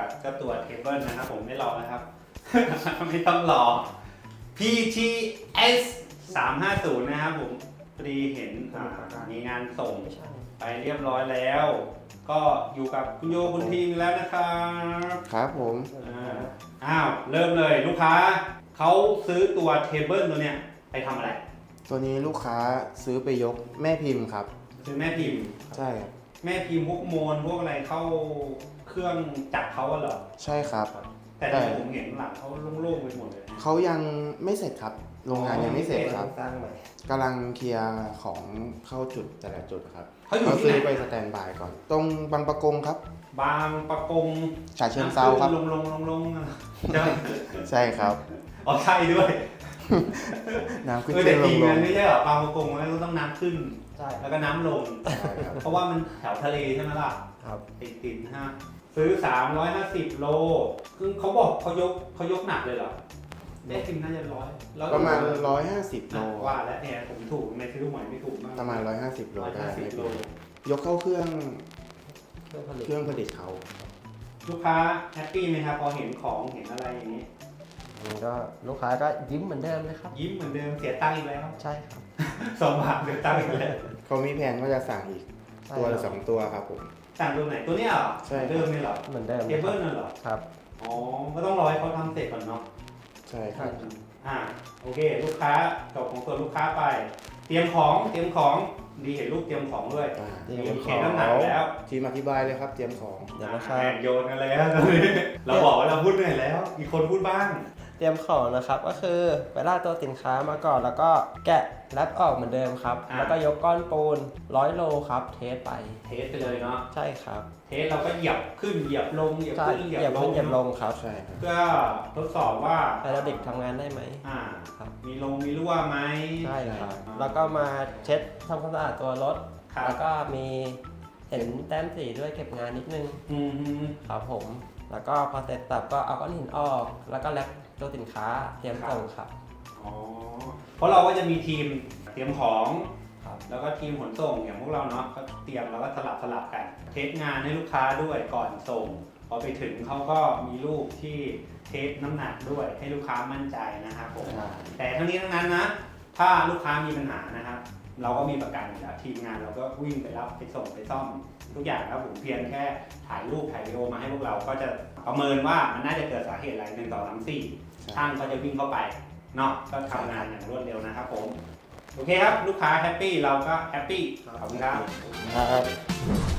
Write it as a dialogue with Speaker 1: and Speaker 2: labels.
Speaker 1: ก็ตัวเทเบิลนะครับผมไม่รอนะครับ ไม่ต้องรอ PTS 350นะครับผมพอดีเห็นมีงานส่งไปเรียบร้อยแล้ว ก็อยู่กับคุณโยคุณทีมแล้วนะครับ
Speaker 2: ครับผม
Speaker 1: อ้าวเริ่มเลยลูกค้าเขาซื้อตัวเทเบิลตัวเนี้ยไปทำอะไร
Speaker 2: ตัวนี้ลูกค้าซื้อไปยกแม่พิมพ์ครับ
Speaker 1: ซื้อแม่พิมพ์
Speaker 2: ใช่ครับ
Speaker 1: แม่พิมพ์พวกโมนพวกอะไรเข้าเครื่องจักรเขาอะเหรอ
Speaker 2: ใช่ครับ
Speaker 1: แต่ที่ผมเห็นหลังเขาโล่งๆไปหมดเลย
Speaker 2: เขายังไม่เสร็จครับ โรงงานยังไม่เสร็จครับ
Speaker 3: สร้างใหม่
Speaker 2: กำลังเคลียร์ของเข้าจุดแต่ละจุดครับ
Speaker 1: เขาอยู่ที่
Speaker 2: ซื้อ
Speaker 1: ไหน
Speaker 2: ไปสแตนด์บายก่อน ตรงบางประกงครับ
Speaker 1: บางประกง
Speaker 2: ฉะเชิงเซาครับ
Speaker 1: ลงใช่ไหม
Speaker 2: ใช่ครับ
Speaker 1: อ๋อใช่ด้วย
Speaker 2: น้ำขึ้น
Speaker 1: แต่
Speaker 2: ขึ้นล
Speaker 1: จริ
Speaker 2: ง
Speaker 1: ง
Speaker 2: ล
Speaker 1: มั
Speaker 2: ง
Speaker 1: นไม่ใช่เหรอบางประกงมันต้องน้ำขึ้น
Speaker 3: ใช่
Speaker 1: แล้วก็น้ำลง
Speaker 2: ใช่ครับ
Speaker 1: เพราะว่ามันแถวทะเลใช่ไหมล่ะ
Speaker 3: ครับ
Speaker 1: ติดนะฮะซื้อ 350 โลคือเขาบอกเขายกหนักเลยเหรอแม่พิมพ์น่าจะร้อยแล้ว
Speaker 2: ประมาณ 150 โล
Speaker 1: ว่าแล้วเนี่ยผมถูกไม่ซื้อลูกใหม่ไม่ถูกมาก
Speaker 2: ประมาณ 150 โลได้
Speaker 1: 150 โล
Speaker 2: ยกเข้าเครื่อง
Speaker 3: เครื่องผลิต
Speaker 2: เครื่องผลิตเขา
Speaker 1: ลูกค้าแฮปปี้ไหมครับพอเห็นของเห็นอะไรอย่างนี้
Speaker 3: มันก็ลูกค้าก็ยิ้มเหมือนเดิมเลยครับ
Speaker 1: ยิ้มเหมือนเดิมเสียตังค์อีกแล้ว
Speaker 3: ใช่ครับ
Speaker 1: 2 บาทเสียตังค์อีกแล้ว
Speaker 2: เขามีแผนว่าจะสั่งอีก
Speaker 3: ใช่
Speaker 2: ตัว
Speaker 3: ค
Speaker 2: ละ
Speaker 3: รับ
Speaker 2: 2 ตัวครับผม
Speaker 1: สั่งตัวไหนตัวเนี้ยเหรอ
Speaker 2: ใช่
Speaker 1: เดิมนี่เหรอ
Speaker 3: เหมือนเดิม
Speaker 1: เทเบิลนั่นเหรอ
Speaker 3: ครับ
Speaker 1: อ๋อก็ต้องรอให้เขาทำเสร็จก่อนเนาะ
Speaker 2: ใช่ครับ
Speaker 1: โอเค ลูกค้าจบของตัวลูกค้าไป เตรียมของดีเห็นลูกเตรียมของด้วย
Speaker 3: เตรียม
Speaker 1: เห็นน้ำหนักแล้ว
Speaker 2: ทีมอธิบายเลยครับ เตรียมของ
Speaker 3: เดี๋ยวนะครับ
Speaker 1: แอบโยนกันแล้วตอนนี้เราบอกว่าเราพูดเหนื่อยแล้ว อีกคนพูดบ้าง
Speaker 3: เตรียมของนะครับก็คือไปลากตัวสินค้ามาก่อนแล้วก็แกะแรปออกเหมือนเดิมครับ แล้วก็ยกก้อนปูน100 โลครับ เทสไป
Speaker 1: เทสไปเลยเนาะ
Speaker 3: ใช่ครับ
Speaker 1: เทสเราก็เหยียบขึ้นเหยียบลงเหยียบ
Speaker 3: ใช่
Speaker 1: ขึ้นเห
Speaker 3: เห
Speaker 1: ยี
Speaker 3: ยี
Speaker 1: ย
Speaker 3: ย
Speaker 1: บบ ล
Speaker 3: ขึ้
Speaker 1: ง
Speaker 3: นเหยียบลงครับ
Speaker 2: ใช่ครับ
Speaker 1: เพื่อทดสอบว่า
Speaker 3: ไฮดรอลิกทำงานได้ไหม ครับ
Speaker 1: มีรั่วไหม
Speaker 3: ใช่ครับ แล้วก็มาเช็ดทำความสะอาดตัวรถ
Speaker 1: ครับ
Speaker 3: แล้วก็มีเห็นแต้มสีด้วยเก็บงานนิดนึง
Speaker 1: อืมฮึ
Speaker 3: ครับผม แล้วก็พอเสร็จสับก็เอาก้อนหินออก แล้วก็แรปตัวสินค้าเตรียมส่งครับ
Speaker 1: อ๋อเพราะเราก็จะมีทีมเตรียมของ
Speaker 3: ครับ
Speaker 1: แล้วก็ทีมขนส่งอย่างพวกเราเนาะก็เตรียมแล้วก็สลับกัน เทสงานให้ลูกค้าด้วยก่อนส่ง พอไปถึงเขาก็มีรูปที่เทสน้ำหนักด้วยให้ลูกค้ามั่นใจนะครับผม แต่ทั้งนี้ทั้งนั้นนะ ถ้าลูกค้ามีปัญหานะครับ เราก็มีประกันอยู่แล้วทีมงานเราก็วิ่งไปรับไปส่งไปซ่อม ทุกอย่างครับผมเพียงแค่ถ่ายรูปถ่ายวิดีโอมาให้พวกเราก็จะประเมินว่ามันน่าจะเกิดสาเหตุอะไร1 2 3 4ช่างก็จะวิ่งเข้าไปเนาะก็ทำงานอย่างรวดเร็วนะครับผมโอเคครับลูกค้าแฮปปี้เราก็แฮปปี้ขอบคุณครับ
Speaker 2: ครับ